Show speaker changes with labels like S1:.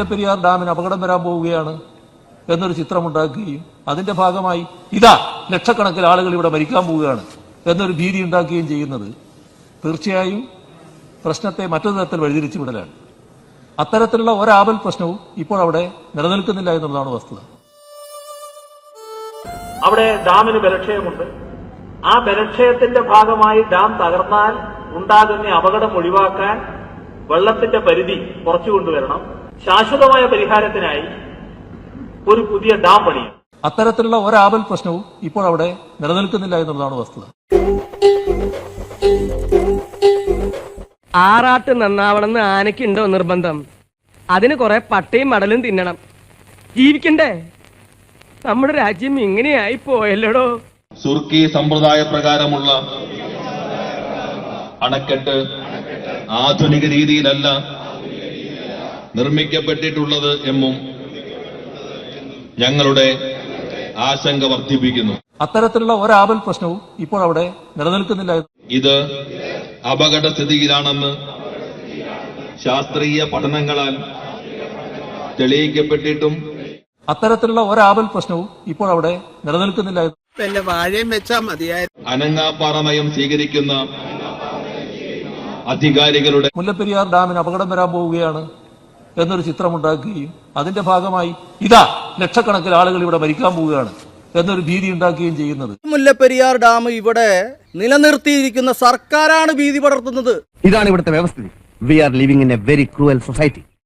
S1: മുല്ലപ്പെരിയാർ ഡാമിന് അപകടം വരാൻ പോവുകയാണ് എന്നൊരു ചിത്രമുണ്ടാക്കുകയും അതിന്റെ ഭാഗമായി ഇതാ ലക്ഷക്കണക്കിന് ആളുകൾ ഇവിടെ മരിക്കാൻ പോവുകയാണ് എന്നൊരു ഭീതി ഉണ്ടാക്കുകയും ചെയ്യുന്നത് തീർച്ചയായും പ്രശ്നത്തെ മറ്റൊരു തരത്തിൽ വഴിതിരിച്ചു വിടലാണ്. അത്തരത്തിലുള്ള ഒരാപൽ പ്രശ്നവും ഇപ്പോൾ അവിടെ നിലനിൽക്കുന്നില്ല എന്നുള്ളതാണ് വസ്തുത.
S2: അവിടെ ഡാമിന് ബലക്ഷയമുണ്ട്. ആ ബലക്ഷയത്തിന്റെ ഭാഗമായി ഡാം തകർന്നാൽ ഉണ്ടാകുന്ന അപകടം ഒഴിവാക്കാൻ വെള്ളത്തിന്റെ പരിധി കുറച്ചുകൊണ്ടുവരണം. ശാശ്വതമായ പരിഹാരത്തിനായി ഒരു പുതിയ ഡാം പണിയും.
S1: അത്തരത്തിലുള്ള ഒരാപൽ പ്രശ്നവും ഇപ്പോൾ അവിടെ നിലനിൽക്കുന്നില്ല എന്നുള്ളതാണ് വസ്തുത.
S3: ആറാട്ട് നന്നാവണമെന്ന് ആനയ്ക്കുണ്ടോ നിർബന്ധം? അതിന് കുറെ പട്ടയും മടലും തിന്നണം, ജീവിക്കണ്ടേ? നമ്മുടെ രാജ്യം ഇങ്ങനെയായി പോയല്ലോടോ.
S4: സുർക്കി സമ്പ്രദായ പ്രകാരമുള്ള അണക്കെട്ട് ആധുനിക രീതിയിലല്ല നിർമ്മിക്കപ്പെട്ടിട്ടുള്ളത് എന്നും ഞങ്ങളുടെ ആശങ്ക വർദ്ധിപ്പിക്കുന്നു.
S1: അത്തരത്തിലുള്ള ഒരാപൽ പ്രശ്നവും ഇപ്പോൾ അവിടെ നിലനിൽക്കുന്നില്ല.
S4: ഇത് അപകടസ്ഥിതിയിലാണെന്ന് ശാസ്ത്രീയ പഠനങ്ങളാൽ തെളിയിക്കപ്പെട്ടിട്ടും
S1: അത്തരത്തിലുള്ള ഒരാപൽ പ്രശ്നവും ഇപ്പോൾ അവിടെ നിലനിൽക്കുന്നില്ല.
S5: വാഴയും വെച്ചാ മതിയായിരുന്നു.
S4: അനങ്ങാപ്പാറ നയം സ്വീകരിക്കുന്ന അധികാരികളുടെ
S1: മുല്ലപ്പെരിയാർ ഡാമിന് അപകടം വരാൻ പോവുകയാണ് എന്നൊരു ചിത്രമുണ്ടാക്കുകയും അതിന്റെ ഭാഗമായി ഇതാ ലക്ഷക്കണക്കിന് ആളുകൾ ഇവിടെ മരിക്കാൻ പോവുകയാണ് എന്നൊരു ഭീതി ഉണ്ടാക്കുകയും ചെയ്യുന്നത്.
S5: മുല്ലപ്പെരിയാർ ഡാം ഇവിടെ നിലനിർത്തിയിരിക്കുന്ന സർക്കാരാണ് ഭീതി പടർത്തുന്നത്.
S6: ഇതാണ് ഇവിടുത്തെ വ്യവസ്ഥിതി. We are living in a very cruel society.